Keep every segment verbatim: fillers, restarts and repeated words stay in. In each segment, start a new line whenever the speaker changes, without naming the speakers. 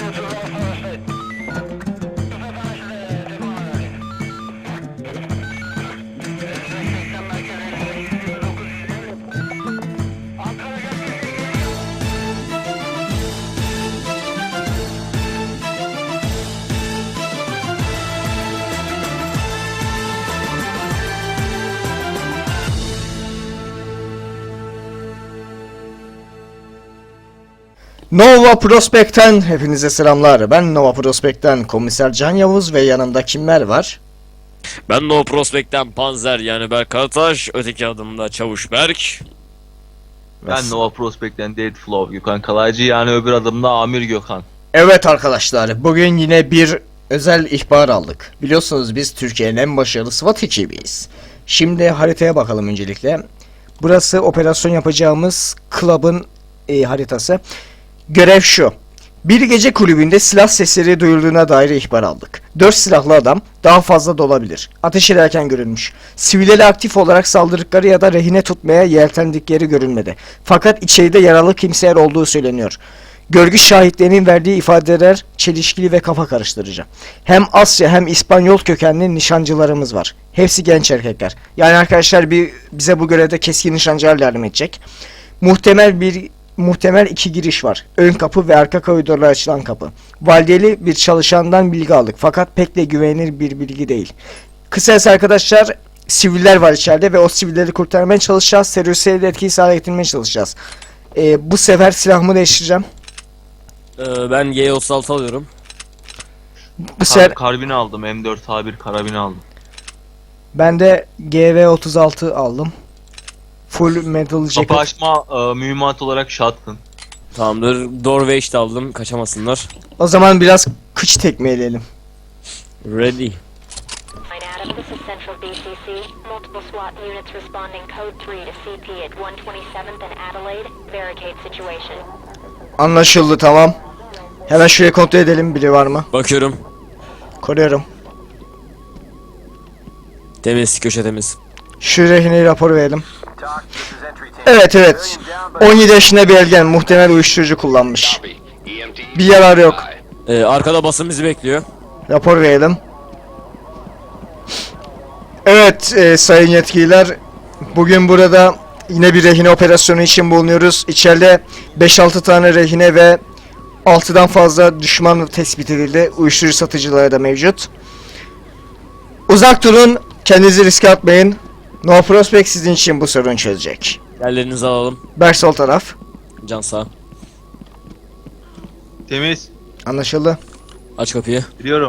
Nova Prospect'ten hepinize selamlar. Ben Nova Prospect'ten Komiser Can Yavuz ve yanımda kimler var?
Ben Nova Prospect'ten Panzer yani Berk Karataş, öteki adımda Çavuş Berk.
Ben Nova Prospect'ten Deadflow Gökhan Kalaycı, yani öbür adımda Amir Gökhan.
Evet arkadaşlar, bugün yine bir özel ihbar aldık. Biliyorsunuz biz Türkiye'nin en başarılı SWAT ekibiyiz. Şimdi haritaya bakalım öncelikle. Burası operasyon yapacağımız club'ın e, haritası. Görev şu. Bir gece kulübünde silah sesleri duyulduğuna dair ihbar aldık. Dört silahlı adam, daha fazla da olabilir, ateş ederken görülmüş. Sivilleri aktif olarak saldırdıkları ya da rehine tutmaya yeltendikleri görülmedi. Fakat içeride yaralı kimseler olduğu söyleniyor. Görgü şahitlerinin verdiği ifadeler çelişkili ve kafa karıştırıcı. Hem Asya hem İspanyol kökenli nişancılarımız var. Hepsi genç erkekler. Yani arkadaşlar bir bize bu görevde keskin nişancılar yardım edecek. Muhtemel bir Muhtemel iki giriş var. Ön kapı ve arka koridorlara açılan kapı. Valideli bir çalışandan bilgi aldık. Fakat pek de güvenilir bir bilgi değil. Kısacası arkadaşlar, siviller var içeride ve o sivilleri kurtarmaya çalışacağız. Teröristleri de etkisiz hale getirmeye çalışacağız. Ee, bu sefer silahımı değiştireceğim.
Ee, ben G otuz altı alıyorum.
Bu sefer
Kar karbini aldım, M dört A bir karabini aldım.
ben de G V otuz altı aldım. Full metal jacket.
Kapı açma e, mühimmat olarak shotgun.
Tamamdır. Doorway de aldım. Kaçamasınlar.
O zaman biraz kıç tekmeleyelim.
Ready.
Adam, this is Central B C C. Multiple SWAT units responding code three to C P at one twenty-seventh and Adelaide. Barricade situation.
Anlaşıldı, tamam. Hemen şuraya kontrol edelim, biri var mı?
Bakıyorum.
Koruyorum.
Temiz. Köşe temiz.
Şu rehineyi rapor verelim. Evet evet. on yedi yaşında bir ergen, muhtemel uyuşturucu kullanmış. Bir yarar yok.
Ee, arkada basın bizi bekliyor.
Rapor verelim. Evet e, sayın yetkililer. Bugün burada yine bir rehine operasyonu için bulunuyoruz. İçeride beş altı tane rehine ve altıdan fazla düşman tespit edildi. Uyuşturucu satıcıları da mevcut. Uzak durun. Kendinizi riske atmayın. Nova Prospect sizin için bu sorunu çözecek.
Yerlerinizi alalım.
Berk sol taraf.
Can sağ.
Temiz.
Anlaşıldı.
Aç kapıyı.
Biliyorum.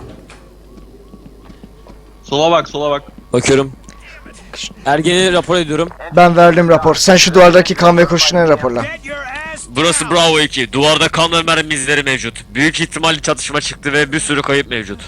Sola bak, sola bak.
Bakıyorum. Ergeni rapor ediyorum.
Ben verdim rapor. Sen şu duvardaki kan ve kurşunları raporla.
Burası Bravo iki. Duvarda kan ve mermi izleri mevcut. Büyük ihtimalle çatışma çıktı ve bir sürü kayıp mevcut.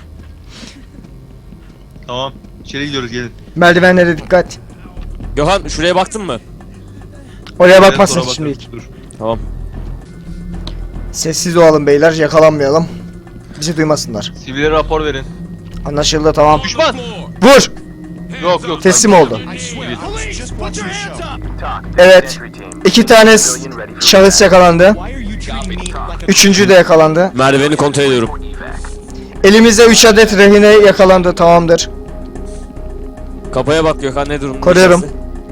Tamam. İçeri gidiyoruz, gelin.
Merdivenlere dikkat.
Gökhan şuraya baktın mı?
Oraya
Evet,
bakmasın
sonra
şimdilik.
bakarız, dur.
Tamam.
Sessiz olalım beyler, yakalanmayalım. Bizi duymasınlar.
Sivile rapor verin.
Anlaşıldı, tamam.
Düşman!
Vur!
Yok yok.
Teslim
sanki-
oldu.
Sivil.
Evet. İki tane s- şahıs yakalandı. Üçüncü de yakalandı.
Merdiveni kontrol ediyorum.
Elimizde üç adet rehine yakalandı, tamamdır.
Kapıya bak Gökhan, ne durumda?
Koruyorum.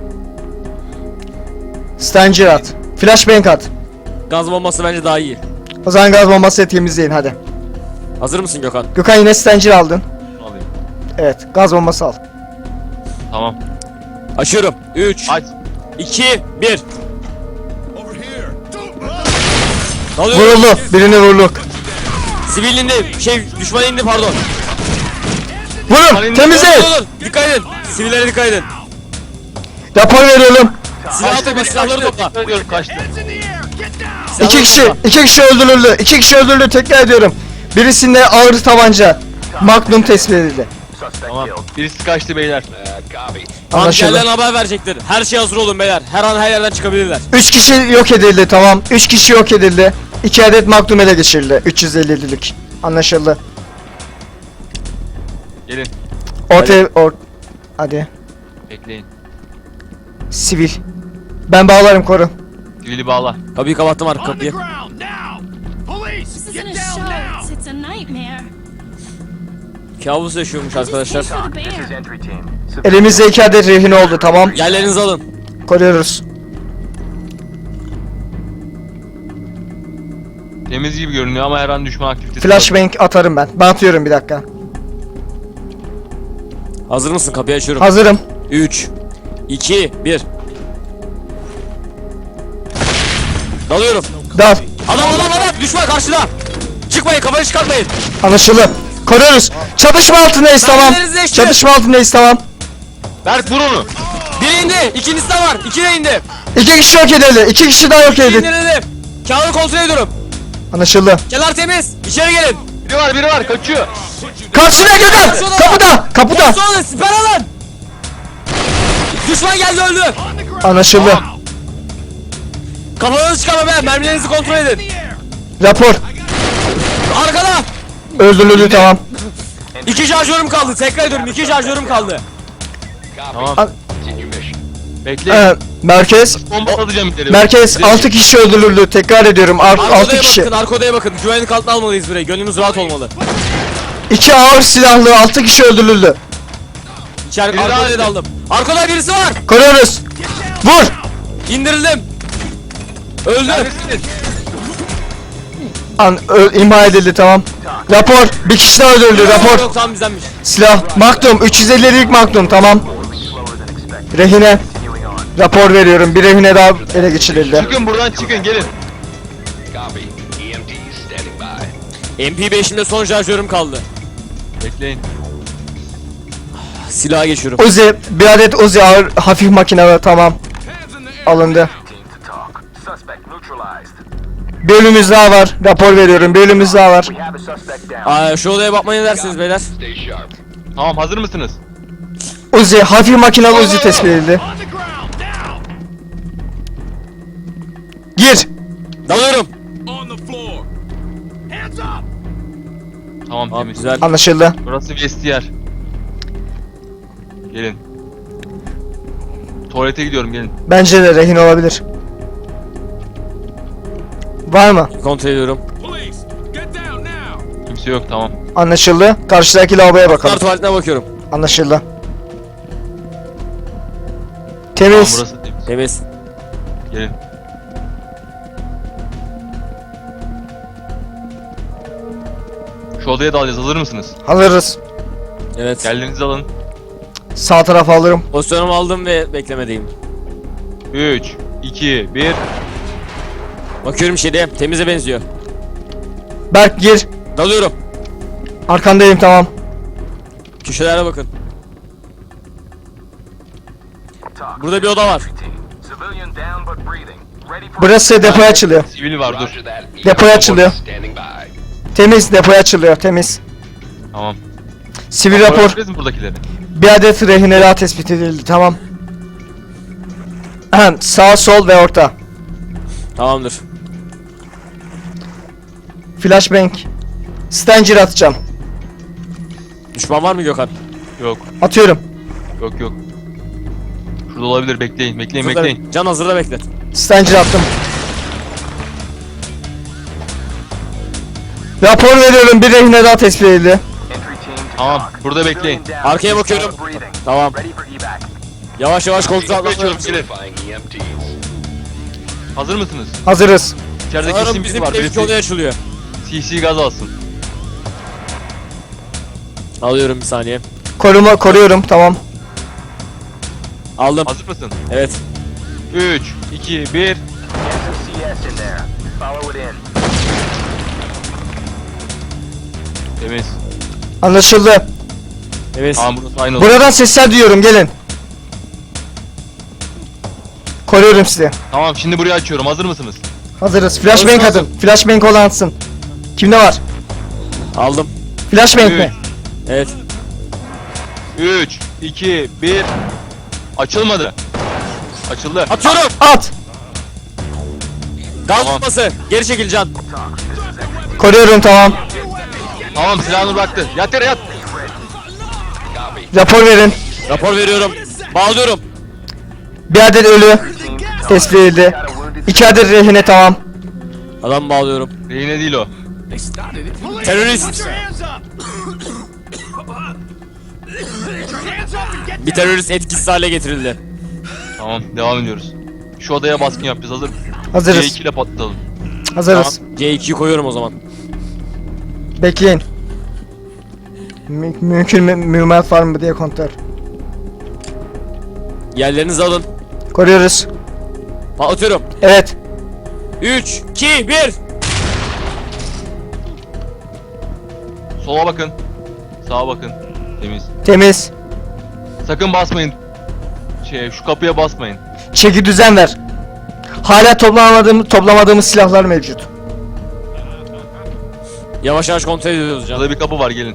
Stanger at. Flashbang at.
Gaz bombası bence daha iyi.
O zaman gaz bombası temizleyin hadi.
Hazır mısın Gökhan?
Gökhan yine Stanger aldın.
Alayım.
Evet, gaz bombası al.
Tamam.
Açıyorum. üç,
Aç.
iki, bir. Ne oluyor?
Vuruldu, birini vurduk.
Sivil indi. Şey, düşman indi pardon.
Vurun, temizle.
Dur, dur, dur. Dikkat edin. Sivillere dikkat edin.
Rapor veriyorum.
Silah topla, silahları topla.
Diyorum, kaçtı.
İki kişi, iki kişi öldürüldü. İki kişi öldürüldü, tekrar ediyorum. Birisinde ağır tabanca. Magnum tespit edildi.
Tamam. Birisi kaçtı beyler.
Anlaşıldı.
Askerlerine haber verecektir. Her şey hazır olun beyler. Her an her yerden çıkabilirler.
Üç kişi yok edildi, tamam. Üç kişi yok edildi. İki adet Magnum ele geçirildi. üç yüz ellilik. Anlaşıldı.
Gelin.
Ortaya, or... Hadi.
Bekleyin.
Sivil. Ben bağlarım, koru.
Sivili bağla.
Kapıyı kapattım, arka kapıyı.
This isn't a show. It's, it's a nightmare.
Kabus yaşıyormuş arkadaşlar.
Just for the bear.
Elimizde iki adet rehin oldu, tamam.
Yerlerinizi alın.
Koruyoruz.
Temiz gibi görünüyor ama her an düşman aktivitesi.
Flashbang atarım ben. Ben atıyorum, bir dakika.
Hazır mısın? Kapıyı açıyorum.
Hazırım.
üç, iki, bir. Dalıyorum.
Dal.
Adam adam adam düşman karşıda. Çıkmayın, kafanı çıkartmayın.
Anlaşıldı. Koruyoruz. Çatışma altındayız, tamam.
Mermilerinizi eşit.
Çatışma altındayız, tamam.
Berk vur onu.
Biri indi, ikincisi de var. İki de indi.
İki kişi yok edildi. İki kişi daha yok edildi.
İndirildi. Kağıdı kontrol ediyorum.
Anlaşıldı.
Kenar temiz. İçeri gelin.
Biri var biri var kaçıyor.
Karşına Gökhan. Kapıda. Kapıda.
Sonra siper alın. Düşman geldi, öldü.
Anlaşıldı.
Kafanızı çıkarma be. Mermilerinizi kontrol edin.
Rapor.
Arkada.
Öldürüldü, tamam.
İki şarjörüm kaldı. Tekrar ediyorum. İki şarjörüm kaldı.
Tamam.
Al-
Bekle.
Ee, merkez.
Bomba atacağım ileri.
Merkez altı kişi öldürüldü. Tekrar ediyorum. altı
Arkodaya
kişi.
bakın. Arkodaya bakın. Güvenlik altına almalıyız burayı. Gönlümüz rahat olmalı.
iki ağır silahlı altı kişi öldürüldü.
İçeri
Biri
arkodaya
daha-
daldım. Arkoda birisi var.
Koruyoruz. Vur.
İndirildim. Öldü.
Neredesiniz?
An ö- imha edildi, tamam. Rapor. Bir kişi daha öldürüldü.
Yok,
Rapor.
Yok tamam bizdenmiş.
Silah. Magnum. üç yüz ellilik Magnum, tamam. Rehine. Rapor veriyorum. Bir rehine daha ele geçirildi.
Çıkın buradan çıkın gelin.
M P beşimde son şarjörüm kaldı.
Bekleyin.
Silaha geçiyorum.
Uzi. Bir adet Uzi ağır hafif makinalı, tamam. Alındı. Bir ölümümüz daha var. Rapor veriyorum. Bir ölümümüz daha var.
Aa, şu odaya bakmaya ne dersiniz beyler?
Tamam hazır mısınız?
Uzi. Hafif makinalı Uzi tespit edildi. Gir.
Dalıyorum.
Tamam
Tamam
temiz.
güzel.
Anlaşıldı.
Burası vestiyer. Gelin. Tuvalete gidiyorum gelin.
Bence de rehin olabilir. Var mı?
Kontrol ediyorum.
Kimse yok tamam.
Anlaşıldı. Karşıdaki lavaboya
Kar
bakalım.
tuvaletine bakıyorum.
Anlaşıldı.
Tamam
Temiz.
burası temiz.
Temiz.
Gelin. Şu odaya dalacağız hazır mısınız?
Hazırız.
Evet.
Geldiğinizi alın.
Sağ tarafa alırım.
Pozisyonumu aldım ve beklemedeyim.
üç, iki, bir.
Bakıyorum şeyde. Temize benziyor.
Berk gir.
Dalıyorum.
Arkandayım, tamam.
Köşelere bakın. Burada bir oda var.
Burası depoya açılıyor.
Sivil var dur.
Depoya açılıyor. Temiz, depoya açılıyor. Temiz.
Tamam.
Sivil rapor.
Gördünüz mü buradakileri?
Bir adet rehine daha tespit edildi, tamam. Ahem, sağ, sol ve orta.
Tamamdır.
Flashbang. Stanger atacağım.
Düşman var mı Gökhan?
Yok.
Atıyorum.
Yok yok. Şurada olabilir bekleyin bekleyin
Hazırda-
bekleyin.
Can hazırda beklet.
Stanger attım. Rapor veriyorum. Bir rehine daha tespit edildi.
Tamam burada bekleyin.
Arkaya bakıyorum. Tamam. Yavaş yavaş kontrol altına
Geçiyorum
alıyorum.
gelin. Hazır mısınız?
Hazırız.
İçeride
Sanırım
kesin biri
bizim
var.
evdeki
Birisi
odaya açılıyor.
C C gaz alsın.
Alıyorum bir saniye.
Koruma, koruyorum, tamam.
Aldım.
Hazır mısın?
Evet.
üç, iki, bir. Temiz.
Anlaşıldı.
Evet.
Tamam burası aynı oldu.
Buradan sesler duyuyorum, gelin. Koruyorum sizi.
Tamam şimdi burayı açıyorum. Hazır mısınız?
Hazırız. Flashbang
Hazır,
atın. Flashbang olan atsın. Kimde var?
Aldım.
Flashbang
Üç.
mi?
Evet.
üç, iki, bir. Açılmadı. Açıldı.
Atıyorum.
At.
Gaz
Tamam.
tutması. Geri çekil Can.
Koruyorum, tamam.
Tamam silahını bıraktı. Yat yere yat.
Rapor verin.
Rapor veriyorum. Bağlıyorum.
Bir adet ölü tespit edildi. İki adet rehine, tamam.
Adam bağlıyorum.
Rehine değil o.
Terörist. Bir terörist etkisiz hale getirildi.
Tamam, devam ediyoruz. Şu odaya baskın yapacağız, hazır mısın?
Hazırız.
C iki ile patlatalım.
Hazırız.
Tamam. C ikiyi koyuyorum o zaman.
Bekleyin. Mü mümkün mü mühimmat var mı diye kontrol.
Yerlerinizi alın.
Koruyoruz.
Patlatıyorum.
Evet.
üç, iki, bir.
Sola bakın. Sağa bakın. Temiz.
Temiz.
Sakın basmayın. Şey, şu kapıya basmayın.
Çeki düzen ver. Hala toplamadığım, toplamadığımız silahlar mevcut.
Yavaş yavaş kontrol ediyoruz canım.
Burada bir kapı var, gelin.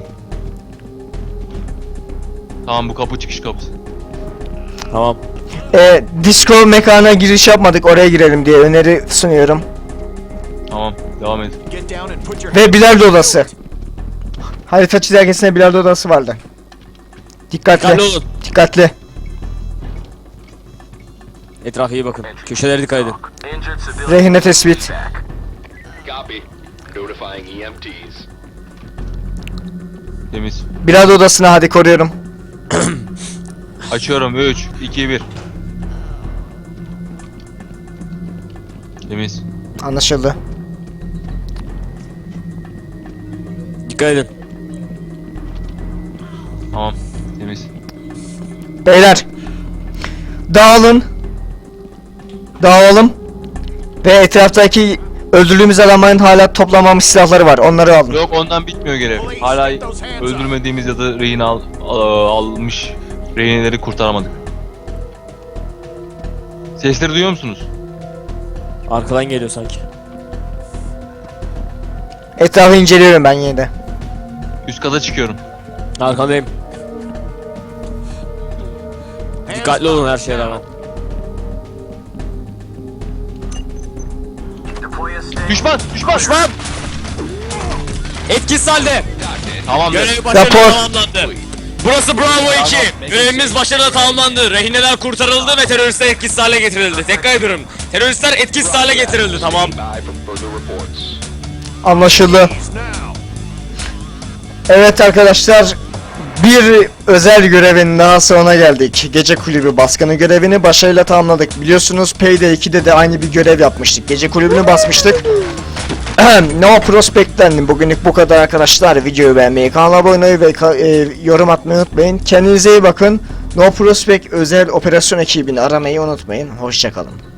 Tamam, bu kapı çıkış kapısı.
Tamam.
Ee, disco mekana giriş yapmadık, oraya girelim diye öneri sunuyorum.
Tamam, devam edin.
Ve bilardo odası. Harita çizelgesinde bilardo odası vardı. Dikkatli.
Dikkatli olun.
Dikkatli.
Etrafa iyi bakın. Köşelere dikkat edin.
Rehine tespit.
Copy. Notifying E M Ts.
Temiz.
Bilardo odasına hadi, koruyorum.
Açıyorum, üç, iki, bir. Temiz.
Anlaşıldı.
Dikkat edin.
Tamam, temiz.
Beyler. Dağılın. Dağılalım. Ve etraftaki öldürdüğümüz adamların hala toplamamış silahları var. Onları alın.
Yok, ondan bitmiyor görev. Hala öldürmediğimiz ya da rehin al, al- almış rehineleri kurtaramadık. Sesleri duyuyor musunuz?
Arkadan geliyor sanki.
Etrafı inceliyorum ben yine de.
Üst kata çıkıyorum.
Arkandayım. Dikkatli olun her şeye rağmen.
Düşman! Düşman!
Düşman! Etkisiz halde.
Tamamdır.
Görev başarılı
Rapor.
tamamlandı. Burası Bravo iki. Görevimiz başarılı tamamlandı. Rehineler kurtarıldı ve teröristler etkisiz hale getirildi. Tekrar ediyorum. Teröristler etkisiz hale getirildi. Tamam.
By from further reports.
Anlaşıldı. Evet arkadaşlar, bir özel görevin daha sonuna geldik. Gece kulübü baskını görevini başarıyla tamamladık. Biliyorsunuz Payday ikide de aynı bir görev yapmıştık. Gece kulübünü basmıştık. No Prospect'ten bugünlük bu kadar arkadaşlar. Videoyu beğenmeyi, kanala abone olmayı ve ka- e, yorum atmayı unutmayın. Kendinize iyi bakın. No Prospect özel operasyon ekibini aramayı unutmayın. Hoşça kalın.